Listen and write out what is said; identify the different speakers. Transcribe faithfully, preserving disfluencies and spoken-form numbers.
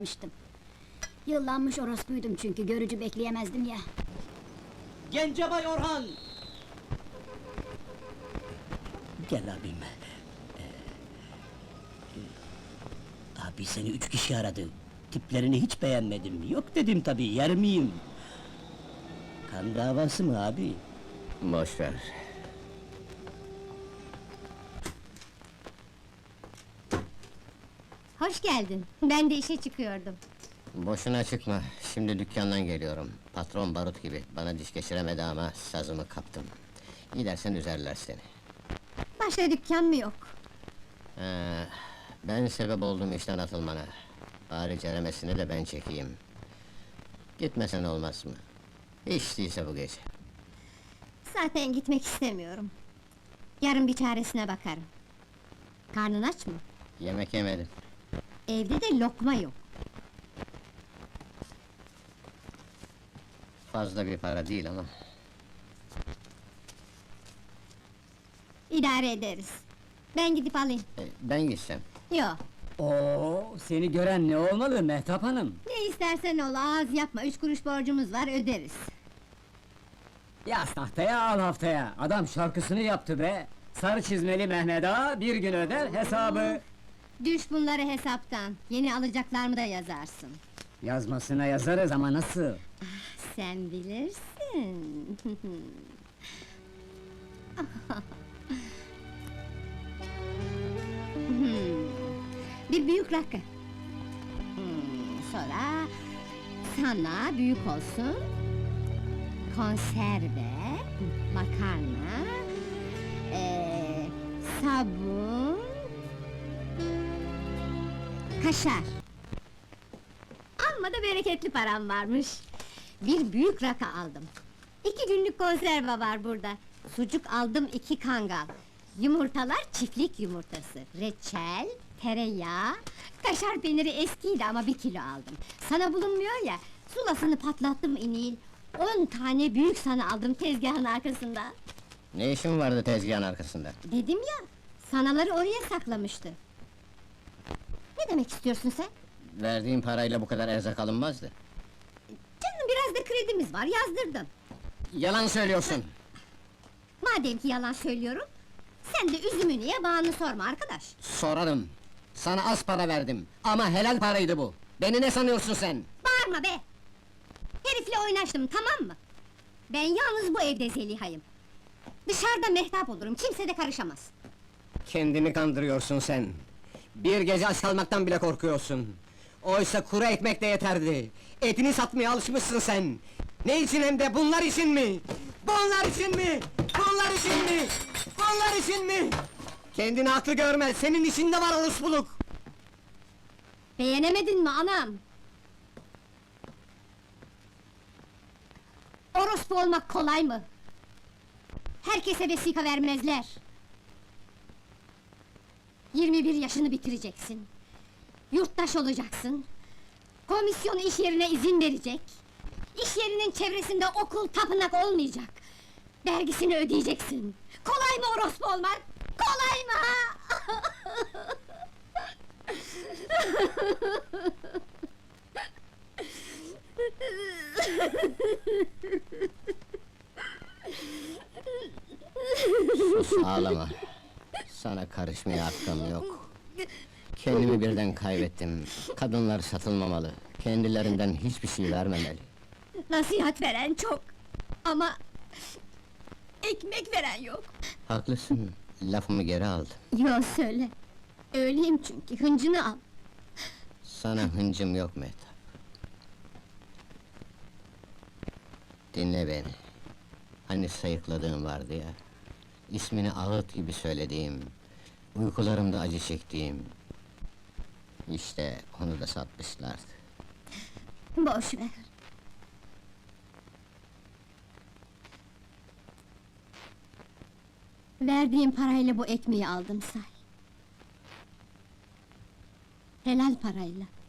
Speaker 1: Mıştım. Yıllanmış orospuydum çünkü görücü bekleyemezdim ya.
Speaker 2: Gencebay Orhan!
Speaker 3: Gel abim. Ee, e, abi seni üç kişi aradı. Tiplerini hiç beğenmedim. Yok dedim tabii, yer miyim? Kan davası mı abi?
Speaker 4: Boş ver.
Speaker 5: Hoş geldin. Ben de işe çıkıyordum.
Speaker 4: Boşuna çıkma. Şimdi dükkandan geliyorum. Patron barut gibi. Bana diş geçiremedi ama sazımı kaptım. Gidersen üzerler seni.
Speaker 5: Başka dükkan mı yok?
Speaker 4: Ee, ben sebep oldum işten atılmana. Bari ceremesini de ben çekeyim. Gitmesen olmaz mı? Hiç değilse bu gece.
Speaker 5: Zaten gitmek istemiyorum. Yarın bir çaresine bakarım. Karnın aç mı?
Speaker 4: Yemek yemedim.
Speaker 5: Evde de lokma yok.
Speaker 4: Fazla bir para değil ama.
Speaker 5: İdare ederiz. Ben gidip alayım.
Speaker 4: e, ben gitsem.
Speaker 5: Yok.
Speaker 2: Oo, seni gören ne olmalı Mehtap Hanım?
Speaker 5: Ne istersen ol, ağız yapma. Üç kuruş borcumuz var, öderiz.
Speaker 2: Yaz tahtaya al haftaya. Adam şarkısını yaptı be. Sarı çizmeli Mehmet Ağa bir gün öder hesabı.
Speaker 5: Düş bunları hesaptan. Yeni alacaklarımı da yazarsın.
Speaker 2: Yazmasına yazarız ama nasıl?
Speaker 5: Sen bilirsin. Hmm, Bir büyük rakı. Hmm, sonra sana büyük olsun. Konserve, makarna, ee, sabun, kaşar. Amma da bereketli param varmış. Bir büyük rakı aldım. İki günlük konserve var burada. Sucuk aldım iki kangal. Yumurtalar çiftlik yumurtası. Reçel, tereyağı, kaşar peyniri eskiydi ama bir kilo aldım. Sana bulunmuyor ya, sulasını patlattım inil. On tane büyük sana aldım tezgahın arkasında.
Speaker 4: Ne işin vardı tezgahın arkasında?
Speaker 5: Dedim ya, sanaları oraya saklamıştı. Ne demek istiyorsun sen?
Speaker 4: Verdiğin parayla bu kadar erzak alınmazdı.
Speaker 5: Canım biraz da kredimiz var, yazdırdım.
Speaker 4: Yalan söylüyorsun!
Speaker 5: Madem ki yalan söylüyorum, sen de üzümünü ye, bağını sorma arkadaş.
Speaker 4: Sorarım! Sana az para verdim, ama helal paraydı bu! Beni ne sanıyorsun sen?
Speaker 5: Bağırma be! Herifle oynaştım, tamam mı? Ben yalnız bu evde Zeliha'yım. Dışarıda mehtap olurum, kimse de karışamaz.
Speaker 4: Kendini kandırıyorsun sen! Bir gece aç kalmaktan bile korkuyorsun! Oysa kuru ekmek de yeterdi! Etini satmaya alışmışsın sen! Ne için hem de bunlar için mi? Bunlar için mi? Bunlar için mi? Bunlar için mi? Kendini haklı görme, senin içinde var orospuluk!
Speaker 5: Beğenemedin mi anam? Orospu olmak kolay mı? Herkese vesika vermezler. Yirmi bir yaşını bitireceksin. Yurttaş olacaksın. Komisyon iş yerine izin verecek. İş yerinin çevresinde okul, tapınak olmayacak. Vergisini ödeyeceksin. Kolay mı orospu olmak? Kolay mı ha?
Speaker 4: Sus, ağlama! Sana karışmaya hakkım yok! Kendimi birden kaybettim. Kadınlar satılmamalı. Kendilerinden hiçbir şey vermemeli.
Speaker 5: Nasihat veren çok. Ama... ekmek veren yok.
Speaker 4: Haklısın, lafımı geri aldım.
Speaker 5: Yo söyle. Öyleyim çünkü, hıncını al.
Speaker 4: Sana hıncım yok Mehtap. Dinle beni. Hani sayıkladığım vardı ya... İsmini ağıt gibi söylediğim... Uykularımda acı çektiğim... İşte onu da satmışlardı.
Speaker 5: Boş ver. Verdiğim parayla bu ekmeği aldım say. Helal parayla.